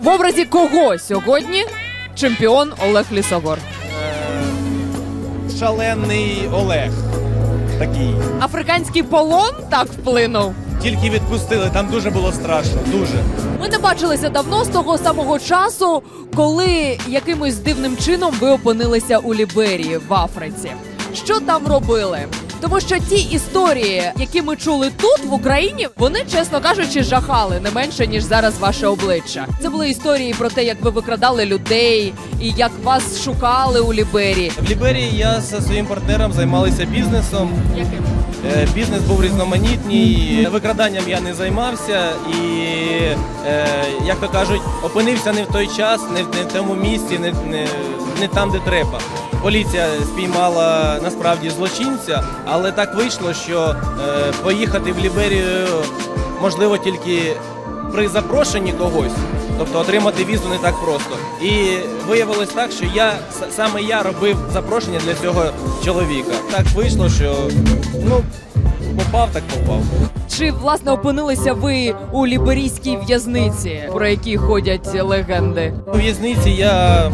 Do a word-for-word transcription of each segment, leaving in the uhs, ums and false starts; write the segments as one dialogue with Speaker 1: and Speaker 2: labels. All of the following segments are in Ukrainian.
Speaker 1: В образі кого сьогодні чемпіон Олег Лісогор?
Speaker 2: Е, шалений Олег такий.
Speaker 1: Африканський полон так вплинув?
Speaker 2: Тільки відпустили, там дуже було страшно, дуже.
Speaker 1: Ми не бачилися давно з того самого часу, коли якимось дивним чином ви опинилися у Ліберії, в Африці. Що там робили? Тому що ті історії, які ми чули тут, в Україні, вони, чесно кажучи, жахали не менше, ніж зараз ваше обличчя. Це були історії про те, як ви викрадали людей і як вас шукали у Ліберії.
Speaker 2: В Ліберії я зі своїм партнером займалися бізнесом.
Speaker 1: Яким?
Speaker 2: Е, бізнес був різноманітний, викраданням я не займався і, е, як то кажуть, опинився не в той час, не в, не в тому місці, не, не, не там, де треба. Поліція спіймала насправді злочинця, але так вийшло, що е, поїхати в Ліберію можливо тільки при запрошенні когось, тобто отримати візу не так просто. І виявилось так, що я саме я робив запрошення для цього чоловіка. Так вийшло, що ну попав, так попав.
Speaker 1: Чи, власне, опинилися ви у ліберійській в'язниці, про які ходять легенди?
Speaker 2: У в'язниці я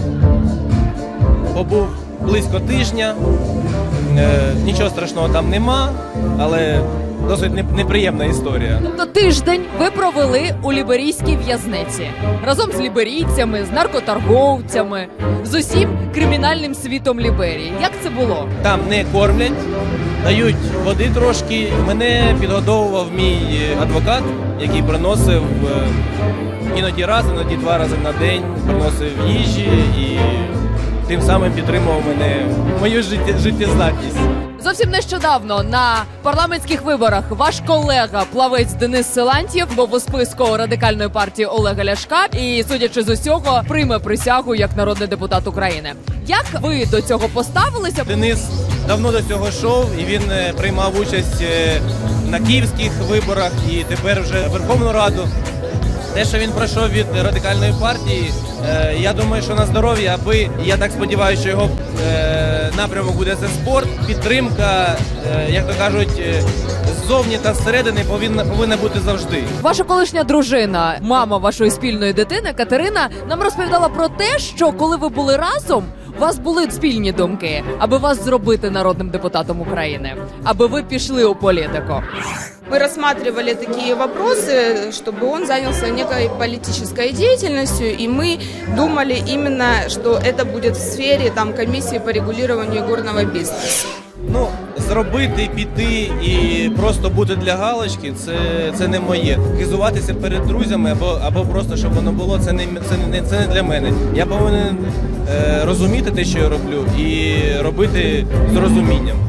Speaker 2: побув близько тижня, е, нічого страшного там нема, але досить неприємна історія.
Speaker 1: Тобто тиждень ви провели у ліберійській в'язниці разом з ліберійцями, з наркоторговцями, з усім кримінальним світом Ліберії. Як це було?
Speaker 2: Там не кормлять, дають води трошки. Мене підгодовував мій адвокат, який приносив е, іноді раз, іноді два рази на день, приносив їжі і тим самим підтримував мене, мою життє, життєздатність.
Speaker 1: Зовсім нещодавно на парламентських виборах ваш колега, плавець Денис Силантьєв, був у списку Радикальної партії Олега Ляшка і, судячи з усього, прийме присягу як народний депутат України. Як ви до цього поставилися?
Speaker 2: Денис давно до цього йшов, і він приймав участь на київських виборах і тепер вже в Верховну Раду. Те, що він пройшов від Радикальної партії, е, я думаю, що на здоров'я, аби, і я так сподіваюся, що його е, напрямок буде це спорт, підтримка, е, як то кажуть, е, ззовні та зсередини повинна, повинна бути завжди.
Speaker 1: Ваша колишня дружина, мама вашої спільної дитини, Катерина, нам розповідала про те, що коли ви були разом, у вас були спільні думки, аби вас зробити народним депутатом України, аби ви пішли у політику.
Speaker 3: Мы рассматривали такие вопросы, чтобы он занялся некой политической деятельностью, и мы думали именно, что это будет в сфере там, комиссии по регулированию горного бизнеса.
Speaker 2: Ну, зробити, піти і просто бути для галочки – це, це не моє. Хизуватися перед друзями або, або просто, щоб воно було, це не, це, не, це не для мене. Я повинен е, розуміти те, що я роблю, і робити з розумінням.